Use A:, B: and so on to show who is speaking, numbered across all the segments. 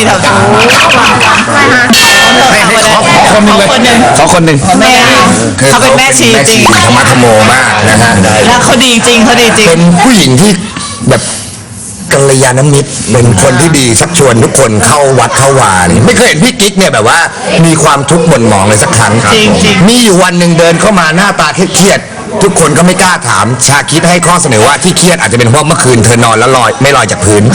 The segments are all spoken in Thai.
A: ถวๆ
B: ขอคนหนึ่ง
A: แม่เขาเป็นแม่ชีจริง
C: ธรรมะธรรมโมมากนะฮะ
A: แล้วเขาดีจริงเขาดีจริง
C: เป็นผู้หญิงที่แบบกัลยาณมิตรเป็นคนที่ดีชักชวนทุกคนเข้าวัดเข้าวาเนี่ยไม่เคยเห็นพี่กิ๊กเนี่ยแบบว่ามีความทุกข์หม่นหมองเลยสักครั้ง
A: จริง
C: มีอยู่วันหนึ่งเดินเข้ามาหน้าตาเครียดๆทุกคนก็ไม่กล้าถามชาคิดให้ข้อเสนอว่าที่เครียดอาจจะเป็นเพราะเมื่อคืนเธอนอนแล้วไม่ลอยจากพื้น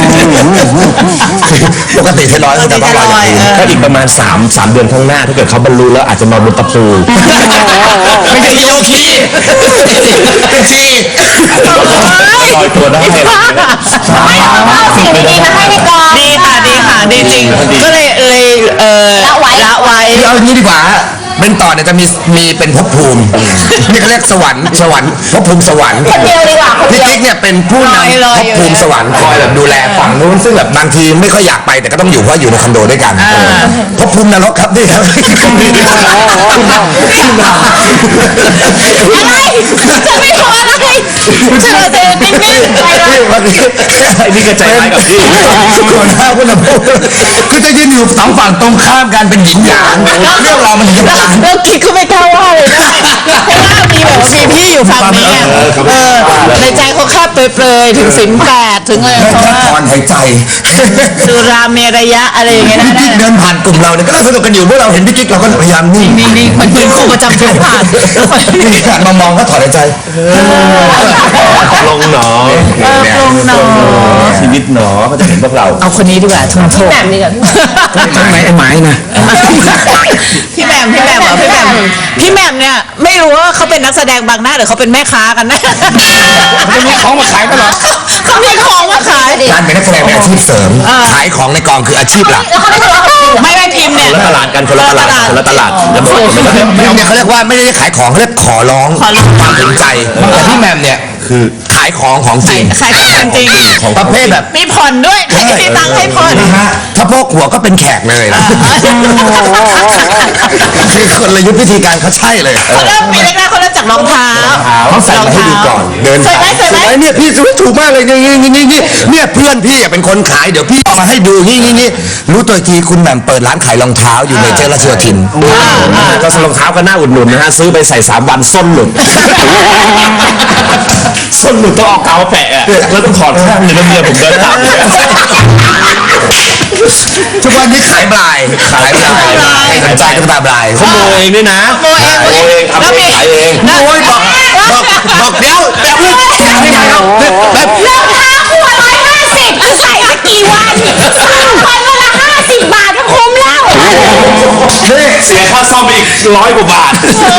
C: ปกติเธอลอยแต่ต้องลอยจากพื้น
B: ถ้าอีกประมาณ3 เดือนข้างหน้าถ้าเกิดเขาบรรลุแล้วอาจจะนอนบนตะปู
C: ไม่ใช่โยคีเป็นชี
B: ลอยตัวได้
D: ไม่เอาสิ่งดีๆมาให้ในกอง
A: ดีค่ะดีจริงก็เลยละไว้
C: เอาอย่างนี้ดีกว่าฮะเป็นต่อเนี่ยจะมีเป็นภพภูมินี่เขาเรียกสวรรค์ภพภูมิสวรรค์
D: คนเดียวดีกว่าคน
C: พี่
D: เดียว
C: กิ๊กเนี่ยเป็นผู้นำภพภูมิสวรรค์คอยแบบดูแลฝั่งนู้นซึ่งแบบบางทีไม่ค่อยอยากไปแต่ก็ต้องอยู่เพราะอยู่ในคอนโดด้วยกันภพภูมินรกครับนี่ครับ
D: อะไรจะไม่ทำอะไรเธอเจอนิ่งๆไปเลย
C: วันนี้
B: ไอ้นี่ก็ใจร้ายกับพี่
C: หัวหน้าผู้นำคือจะยืนอยู่สองฝั่งตรงข้ามกันเป็นหญิงหยางเรื่องราวมันถึงจะบาน
A: แล้วคิดก็ไม่กล้าว่าเลยนะเพราะว่ามีแบบมีพี่อยู่ฝั่งนี้ในใจเขาแค่เปรยๆถึงศีล8ถึงอะไร
C: แค่
A: เพราะว่า
C: ถอนหายใจ
A: สุราเมรยะอะไรอย่างเงี้ย
C: พี่
A: นะ
C: กิ๊กเดินผ่านกลุ่มเราเนี่ยก็น่าสนุกกันอยู่เมื่อเราเห็นพี่กิ๊กเราก็พยายามนิ่ง
A: นี่มันเป็นครูประจำชั้นผ่าน
C: นี่หันมามองก็ถอนหายใจ
B: ลงหนอ
A: ลงหนอ
B: ชีวิตหนอเขาจะเห็นพวกเรา
A: เอาคนนี้ดีกว่าทุนโทษ
D: แบบนี้กับพี่
C: ทำไมไอ้ไม้นะ
A: พี่แหม่มเนี่ยไม่รู้ว่าเขาเป็นนักแสดงบางหน้าหรือเขาเป็นแม่ค้ากันนะ
C: จะมีของมาขายตลอด
A: เขามีของมาขาย
C: การเป็นนักแสดงเป็นอาชีพเสริม ขายของในกองคืออาชีพหลัก
D: แล้วเขาไม่ทะเลาะกับพี่
A: ไม่พิมพ์เนี่ย
B: คนละตลาดกันคนละตลาดจะบอกไม่ได้
C: แหม่มเนี่ยเขาเรียกว่าไม่ได้ขายของเขาเรียกขอร้องความสนใจแต่พี่แหม่มเนี่ยคือขายของจริง
A: ขายของจริง
C: ประเภทแบบ
A: มีผ่อนด้วยมีตังค์ให้ผ่อน
C: นะฮะถ้าพกหัวก็เป็นแขกเลยนะคือคนละยุทธวิธีการเขาใช่เลย
A: เขาเริ่มปีแรกๆเขาเริ่มจากรองเท้า
C: เขาใส่มาให้ดูก่อนเดิน
A: ใส่ไหม
C: เนี่ยพี่ซื้อถูกมากเลยนี่เนี่ยเพื่อนพี่เป็นคนขายเดี๋ยวพี่เอามาให้ดูนี่รู้ตัวทีคุณแหม่มเปิดร้านขายรองเท้าอยู่ในเจริญราชโยธิน
B: ก็รองเท้าก็น่าอุดหนุนนะฮะซื้อไปใส่3 วันส้นหลุดส้นหลุดต้องเอากาวแปะแล้วต้องถอดข้างเลยแล้วเมียผมเดินตาม
C: ทุกวันนี้ขายบลายให้สนใจก็ตาบลาย
B: ขโมยเองด้วยนะ
A: โมเอง
B: ทำเองขายเอง
C: โอ้ยบอกเดี๋ยวแบบนี้แกไม่ได้ครับแบบ
D: รองเท้าคู่150คือใส่สักกี่วัน3 วันวันละ50 บาทก็คุ้มแล้ว
B: เสียค่าซ่อมไปอีก100 กว่าบาท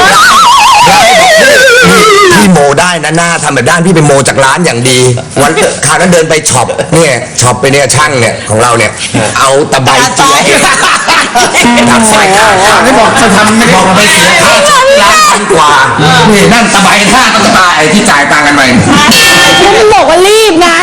C: พี่โมได้นะหน้าทำแบบด้านพี่ไปโมจากร้านอย่างดี วันคราวนั้นเดินไปช็อปเนี่ยช็อปไปเนี่ยช่างเนี่ยของเราเนี่ยเอาตะไบเสียทำสายขาไม่บอกจะทำไม่บอกไปเสียค่าช็อป1,000 กว่านี่นั่นตะไบท่าต้องตายที่จ่ายตังค์กันไป
D: มันบอกว่ารีบนะ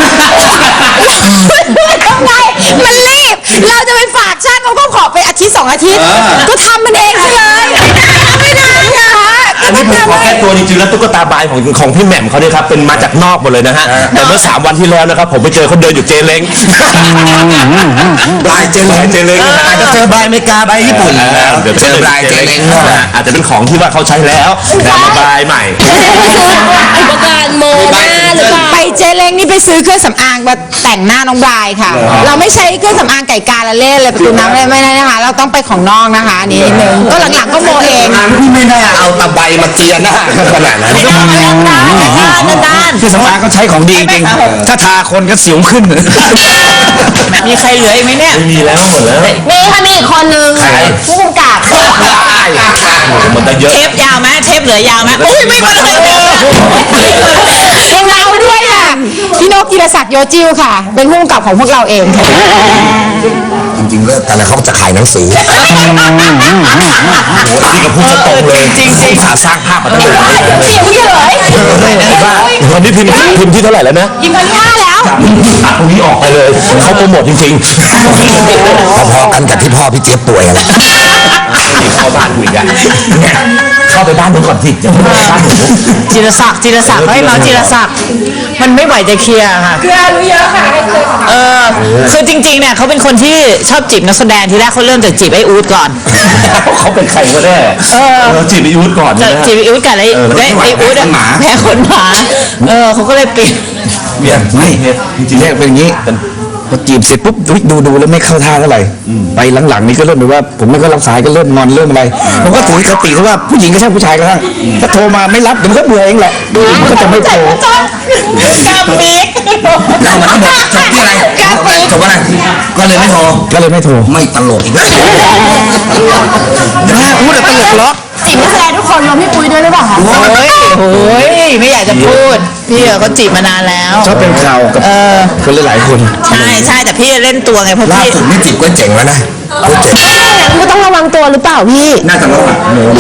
D: ทำไงมันรีบ เราจะไปฝากช่างเขาก็ขอไปอาทิตย์2 อาทิตย์ ก็ทำมันเองไปเลยไม่ได้นะคะ
B: อันนี้ผมขอแก้ตัวจริงๆแล้วตุ๊กตาบายของพี่แหม่มเขาเนี่ยครับเป็นมาจากนอกหมดเลยนะฮะแต่เมื่อ3 วันที่แล้วนะครับผมไปเจอเขาเดินอยู่เจเล้ง
C: บายเจเล้งอาจจะเจอบายอเมริกาบายญี่ปุ่น
B: เดี๋ยว
C: เจอบายเจเล้ง
B: อาจจะเป็นของที่ว่าเขาใช้แล้วแต่มาบายใหม่
D: อุปกรณ์โมหน้าหรือเปล่าไปเจเล้งนี่ไปซื้อเครื่องสำอางมาแต่งหน้าน้องบรายค่ะ เราไม่ใช้เครื่องสำอางไก่กาละเล่เลยประตูน้ำเลยไม่ได้นะคะเราต้องไปของนอกนะคะอันนี้นิดนึงก็หลังๆก็โมเอง
C: พี่ไม่น่าเอาตะไบมาเจียหน้าขนาดนั้น
A: ด้าน
C: ที่สำอางก็ใช้ของดีจริงถ้าทาคนก็สิวขึ้น
A: มีใครเหลืออีกไหมเนี่ย
B: ไม่มีแล้วหมดแล้ว
D: มีค่ะมีอีกคนนึงผู้กำกับ
B: มันจะเยอะ
A: เทปยาวไหมเทปเหลือยาวไหมอุ้ยไม่มาเลย
D: ยังเราด้วยค่ะพี่นกกีรศักดิ์โยจิวค่ะ เป็นผู้กำกับของพวกเราเองค่ะ
C: จริงๆเลิกกันแล้วเขาจะขายหนังสือ
B: นี่ก็พูดตรงเลยจริงสาสร้างภาพมาตั้งแต่
D: เสียงเฉย
B: วันนี้พิมพ์ที่เท่าไหร่แล้วนะ
D: ยิงคนที่5แล้ว
B: ตัดตรงนี้ออกไปเลยเขาโปรโมทจริงๆ
C: พอๆกันกับที่พ่อพี่เจี๊ยบป่วยอะไร
B: เข้าบ้านคุยกัน
C: ข
B: เข้าไปบ้านนู้นก่อนสิจะไปบ้านหนู
A: จิรศักดิ์เฮ้ยมาจิรศักดิ์มันไม่ไหวจะเคลียร์ค่ะ
D: คือรู้เยอะค่ะให้เคย
A: คือจริงๆเนี่ยเขาเป็นคนที่ชอบจีบนักแสดงทีแรกเขาเริ่มจากจีบไอ้อู๊ดก่อน
B: เขาเป็นใครก็ได้จีบไอ้ยุทธก่อน
A: จะ
B: นะ
A: จีบไอ้อู๊ดกับไอ้อู๊ดอะแพ้ขนหมาเขาก็เลยเปลี่ยน
C: เนี่ยไม่จริงๆเนี่ยเป็นอย่างนี้พอจีบเสร็จปุ๊บดูแล้วไม่เข้าท่าเท่าไหร่ไปหลังๆนี่ก็เริ่มแบบว่าผมไม่ก็รับสายก็เริ่มงอนเริ่มอะไรผมก็ถือคติที่ว่าผู้หญิงก็ใช่ผู้ชายก็ช่างถ้าโทรมาไม่รับเดี๋ยวมันก็เบื่อเองแหละมันก็จะไม่โทร
A: กาปีก
C: เรามันก็บอกจบที่อะไรจบอะไรก็เลยไม่โทรไม่ตลกอีกแล้วพูดแต่ตลกล็อก
D: จีบนักแสดงทุกคนรวมพี่ปุ้ยด้วยหรือเปล่าคะ
A: โอ้ยไม่อยากจะพูดพี่เขาจีบมานานแล้ว
C: ชอบเป็นข่าวกับคนหลายๆคน
A: ใช่แต่พี่เล่นตัวไงเพราะ
C: ล่า
A: พี่
C: สุดนี่จีบก็เจ๋งแล้วนะก็เจ๋ง
D: ก็ต้องระวังตัวหรือเปล่าพี่
C: น่าจะรอด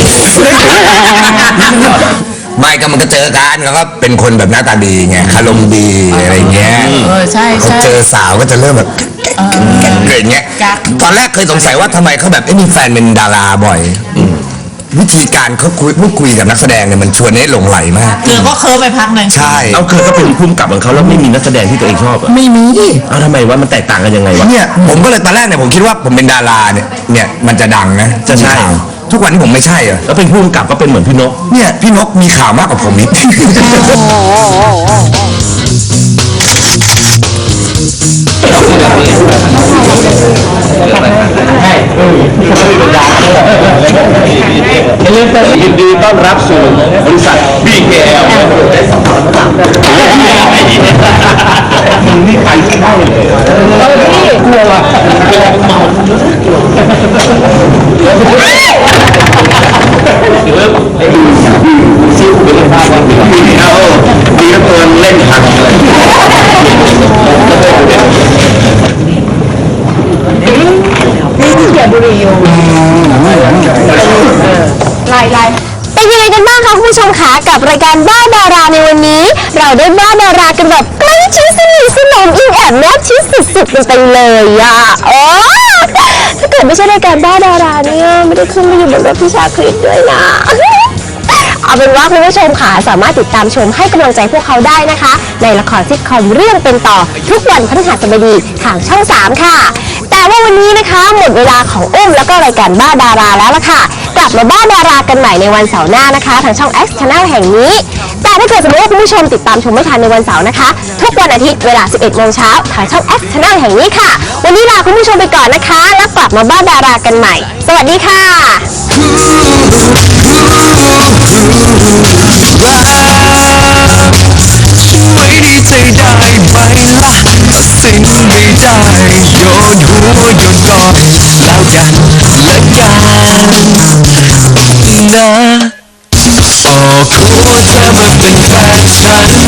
C: ไม่ก็มันก็เจอกันแล้วก็เป็นคนแบบหน้าตาดีไงอารมณ์ดีอะไรเงี้ย
A: ใช่
C: เขาเจอสาวก็จะเริ่มแบบเกิดเงี้ยตอนแรกเคยสงสัยว่าทำไมเขาแบบมีแฟนเป็นดาราบ่อยวิธีการเขาพูดคุยกับนักแสดงเนี่ยมันชวนให้หลงไหลมาก
A: เกลือก็เคิร์ฟไปพักหนึ่ง
C: ใช่
B: เอาคือก็เป็นภูมิกับของเขาแล้วไม่มีนักแสดงที่ตัวเองชอบอ่ะ
C: ไม่มี
B: เอาทำไมวะมันแตกต่างกันยังไงวะ
C: เนี่ยผมก็เลยตอนแรกเนี่ยผมคิดว่าผมเป็นดาราเนี่ยมันจะดังนะ
B: จะใช่
C: ทุกวันนี้ผมไม่ใช่เหรอ
B: แล้วเป็นภูมิกับก็เป็นเหมือนพี่นก
C: เนี่ยพี่นกมีข่าวมากกว่าผมอีก
B: ยินดีต้อนรับสู่บริษัท BKL นี่ใครที่ได้เลยซิ่วเป็นภาพว่าดีเอาดีแล้วตัวเล่นทันเลย
E: เป็นยังไงกันบ้างคะคุณผู้ชมคะกับรายการบ้าดาราในวันนี้ เราได้บ้าดารากันแบบใกล้ชิดสนิทสนมอิงแอบแนบชิดสุดๆกันไปเลยอ่ะโอ้ถ้าเกิดไม่ใช่รายการบ้าดาราเนี่ยไม่ได้ขึ้นมาอยู่บนรถพิชาคริสด้วยนะ เอาเป็นว่าคุณผู้ชมค่ะสามารถติดตามชมให้กำลังใจพวกเขาได้นะคะ ในละครซิทคอมเรื่องเป็นต่อทุกวันพฤหัสบดีทางช่อง 3 ค่ะ แต่ว่าวันนี้นะคะหมดเวลาของอุ้มแล้วก็รายการบ้าดาราแล้วล่ะค่ะ กลับมาบ้าดารากันใหม่ในวันเสาร์หน้านะคะทางช่อง X Channel แห่งนี้ แต่ถ้าเกิดสมมติว่าคุณผู้ชมติดตามชมไม่ทันในวันเสาร์นะคะ ทุกวันอาทิตย์เวลา 11 โมงเช้าทางช่อง X Channel แห่งนี้ค่ะ วันนี้ลาคุณผู้ชมไปก่อนนะคะ แล้วกลับมาบ้าดารากันใหม่ สวัสดีค่ะ
F: ช่วยดีใจได้ไหมล่ะตัดสินไม่ได้โยนหัวโยนก้อยแล้วกันและกันนะออกหัวเธอมาเป็นแฟนฉัน